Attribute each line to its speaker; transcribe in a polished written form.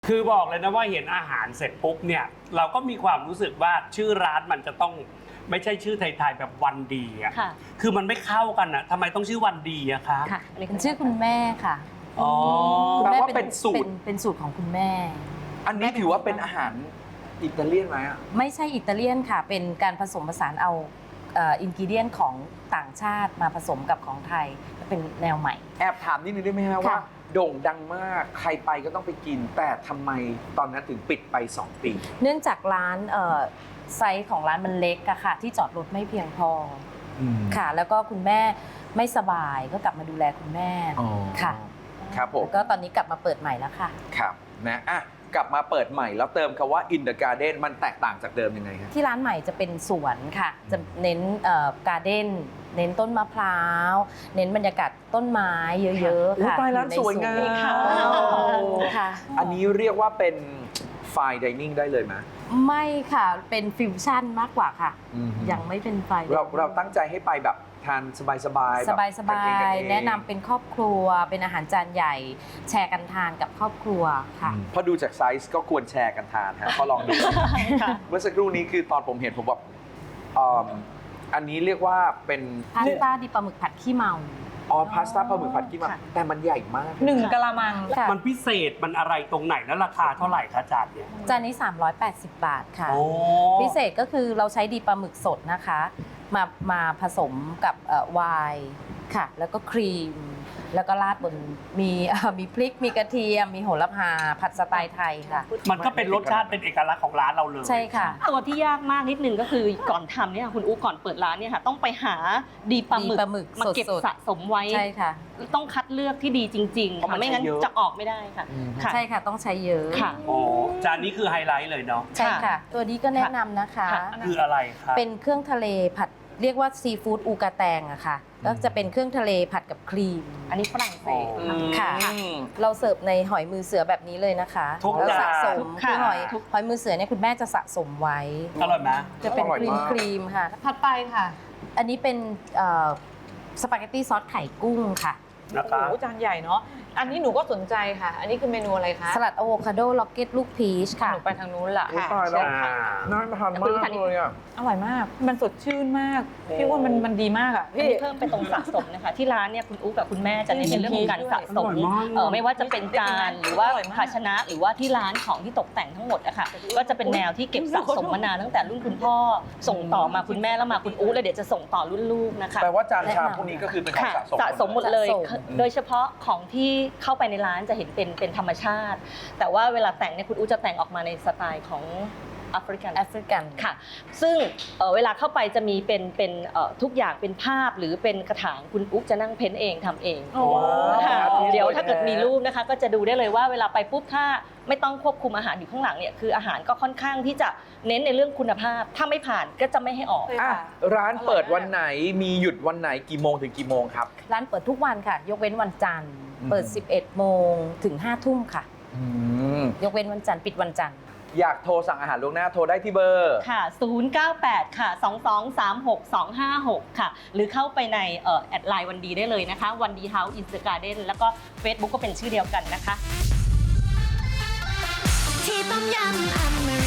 Speaker 1: คือบอกเลยนะว่าเห็นอาหารเสร็จปุ๊บเนี่ยเราก็มีความรู้สึกว่าชื่อร้านมันจะต้องไม่ใช่ชื่อไทยๆแบบวันดีอ่ะคือมันไม่เข้ากันอ่ะทำไมต้องชื่อวันดีอะคะ
Speaker 2: ค่ะอันนี้เป็นชื่อคุณแม่ค่ะ
Speaker 1: อ๋อ
Speaker 2: คุณแม่
Speaker 3: แปลว่าเป็นสูตร
Speaker 2: เป็นสูตรของคุณแม่
Speaker 3: อันนี้ถือว่าเป็นอาหารอิตาเลียนไหมอ่ะ
Speaker 2: ไม่ใช่อิตาเลียนค่ะเป็นการผสมผสานเอาอินกิเดียนของต่างชาติมาผสมกับของไทยเป็นแนวใหม่
Speaker 3: แอบถามนิดนึงได้ไหมฮะว่าโด่งดังมากใครไปก็ต้องไปกิน แต่ทำไมตอนนั้นถึงปิดไป 2 ปี
Speaker 2: เนื่องจากร้านไซส์ของร้านมันเล็กอะค่ะที่จอดรถไม่เพียงพอค่ะแล้วก็คุณแม่ไม่สบายก็กลับมาดูแลคุณแม่ค่ะ
Speaker 3: ครับผม
Speaker 2: แล้วก็ตอนนี้กลับมาเปิดใหม่แล้วค่ะ
Speaker 3: ครับนะอ่ะกลับมาเปิดใหม่แล้วเติมคำว่า in the garden มันแตกต่างจากเดิมยังไงครับ
Speaker 2: ที่ร้านใหม่จะเป็นสวนค่ะจะเน้นการ์เด้นเน้นต้นมะพร้าวเน้นบรรยากาศต้นไม้เยอะๆค่ะ
Speaker 3: ตายร้านสวยงาม
Speaker 2: ค่ะ
Speaker 3: อันนี้เรียกว่าเป็น fine dining ได้เลยไหม
Speaker 2: ไม่ค่ะเป็นฟิวชั่นมากกว่าค่ะ
Speaker 3: อืม
Speaker 2: ยังไม่เป็นไฟ
Speaker 3: เราตั้งใจให้ไปแบบทานสบายๆ
Speaker 2: สบาย
Speaker 3: แบบกันเองกันเอง
Speaker 2: แนะนำเป็นครอบครัวเป็นอาหารจานใหญ่ แชร์กันทานกับครอบครัวค่ะ
Speaker 3: พอดูจากไซส์ก็ควรแชร์กันทานฮะก็ลองดู เมื่อสักครู่นี้คือตอนผมเห็นผมแบบอันนี้เรียกว่าเป็น
Speaker 2: พาสต้าดิบปลาหมึกผัดขี้เมา
Speaker 3: พาสต้าปลาหมึกผัดกี้มา
Speaker 2: ค่ะ
Speaker 3: แต่มันใหญ่มาก
Speaker 4: 1 กะละมัง
Speaker 2: ค่ะ
Speaker 1: มันพิเศษมันอะไรตรงไหนแล้วราคาเท่าไหร่คะจานเนี่ย
Speaker 2: จานนี้ 380 บาทค่ะ
Speaker 1: โอ้
Speaker 2: พิเศษก็คือเราใช้ดีปลาหมึกสดนะคะ มาผสมกับไวน์ค่ะ แล้วก็ครีม แล้วก็ราดบนมีพริกมีกระเทียม มีโหระพาผัดสไตล์ไทยค่ะ
Speaker 1: มันก็เป็นรสชาติเป็นเอกลักษณ์ของร้านเราเลย
Speaker 2: ใช่ค่ะ
Speaker 4: ตัวที่ยากมากนิดนึงก็คือก่อนทำเนี่ยคุณอุ๊ก่อนเปิดร้านเนี่ยค่ะต้องไปหาดีปลาหมึ
Speaker 2: ดีปลาหมึก
Speaker 4: มาเก็บ
Speaker 2: สดๆ
Speaker 4: สะสมไว้
Speaker 2: ใช่ค่ะ
Speaker 4: ต้องคัดเลือกที่ดีจริงๆค่ะไม่งั้นจะออกไม่ได้ค่ะค่ะ
Speaker 2: ใช่ค่ะต้องใช้เยอะ
Speaker 4: ค่ะ
Speaker 1: โอ้จานนี้คือไฮไลท์เลยเนาะ
Speaker 2: ใช่ค่ะ ตัวนี้ก็แนะนำนะคะ
Speaker 4: ค่ะ
Speaker 1: คืออะไรครับ
Speaker 2: เป็นเครื่องทะเลผัดเรียกว่าซีฟู้ดอูกาแตงอะค่ะก็จะเป็นเครื่องทะเลผัดกับครีม
Speaker 4: อันนี้ฝรั่งเศส
Speaker 2: ค่ะ เราเสิร์ฟในหอยมือเสือแบบนี้เลยนะคะ
Speaker 1: ทุก
Speaker 2: แล้ว
Speaker 1: จาน
Speaker 2: สะสม
Speaker 4: ค่ะ
Speaker 2: คือหอยมือเสือเนี่ยคุณแม่จะสะสมไว้
Speaker 1: อร่อยไหม
Speaker 2: จะเป็น
Speaker 3: อร่อย
Speaker 2: ครีม
Speaker 3: มาก
Speaker 2: ครีมค่ะ
Speaker 4: ถัดไปค่ะ
Speaker 2: อันนี้เป็นสปาเกตตี้ซอสไข่กุ้งค่ะ
Speaker 1: นะ
Speaker 5: โอ้
Speaker 1: คะ
Speaker 5: โหจานใหญ่เนาะ อันนี้หนูก็สนใจค่ะ อันนี้คือเมนูอะไรคะ
Speaker 2: สลัดอะโวคาโดล็อกเก็ตลูกพีชค่ะ
Speaker 5: หนูไปทางนู้นละ
Speaker 3: อุ๊ยตายแล้ว
Speaker 1: อ่า
Speaker 3: น่าทานมากเลยอ่ะ
Speaker 5: อร่อยมาก มันสดชื่นมาก พี่ว่ามันดีมากอ่ะ
Speaker 4: อัน
Speaker 5: พี่
Speaker 4: นี้เพิ่มไปตรงสะสมนะคะที่ร้านเนี่ยคุณอุ๊กับคุณแม่จะเน้นในเรื่องของการสะสม
Speaker 1: อร่อยมาก
Speaker 4: ไม่ว่าจะเป็นจานหรือว่า
Speaker 5: อร่อยมาก
Speaker 4: ภาชนะหรือว่าที่ร้านของที่ตกแต่งทั้งหมดอะค่ะก็จะเป็นแนวที่เก็บสะสมมานานตั้งแต่รุ่นคุณพ่อส่งต่อมาคุณแม่แล้วมาคุณอุ๊แล้วเดี๋ยวจะส่งต่อรุ่นลูกนะคะ
Speaker 3: แปลว่าจานชามพวกนี้ก็คือเป็นของ
Speaker 4: ค่ะ
Speaker 3: สะสม
Speaker 4: สะสมหมดเลย
Speaker 2: สะสม
Speaker 4: โดยเฉพาะของที่เข้าไปในร้านจะเห็นเป็นธรรมชาติ แต่ว่าเวลาแต่งเนี่ยคุณอุ๊จะแต่งออกมาในสไตล์ของแอฟริกัน
Speaker 2: แอฟริกัน
Speaker 4: ค่ะ ซึ่งเวลาเข้าไปจะมีเป็นทุกอย่างเป็นภาพหรือเป็นกระถางคุณอุ๊จะนั่งเพ้นเองทำเอง
Speaker 5: โอ้
Speaker 4: ค่ะ
Speaker 3: ว้าว
Speaker 4: เดี๋ยวถ้าเกิดมีรูปนะคะก็จะดูได้เลยว่าเวลาไปปุ๊บถ้าไม่ต้องควบคุมอาหารอยู่ข้างหลังเนี่ยคืออาหารก็ค่อนข้างที่จะเน้นในเรื่องคุณภาพ ถ้าไม่ผ่านก็จะไม่ให้ออก
Speaker 3: อ่ะร้านเปิดวันไหนมีหยุดวันไหนกี่โมงถึงกี่โมงครับ
Speaker 2: ร้านเปิดทุกวันค่ะ ยกเว้นวันจันทร์ เปิด 11 โมงถึง 5 ทุ่มค่ะ ยกเว้นวันจันทร์ปิดวันจันทร์
Speaker 3: อยากโทรสั่งอาหารล่วงหน้าโทรได้ที่เบอร์
Speaker 4: ค่ะ 098 ค่ะ 2236256 ค่ะ หรือเข้าไปในแอดไลน์วันดีได้เลยนะคะ วันดีเฮาส์อินสตาแกรมแล้วก็ Facebook ก็เป็นชื่อเดียวกันนะคะ
Speaker 6: ที่ต้มยำอเม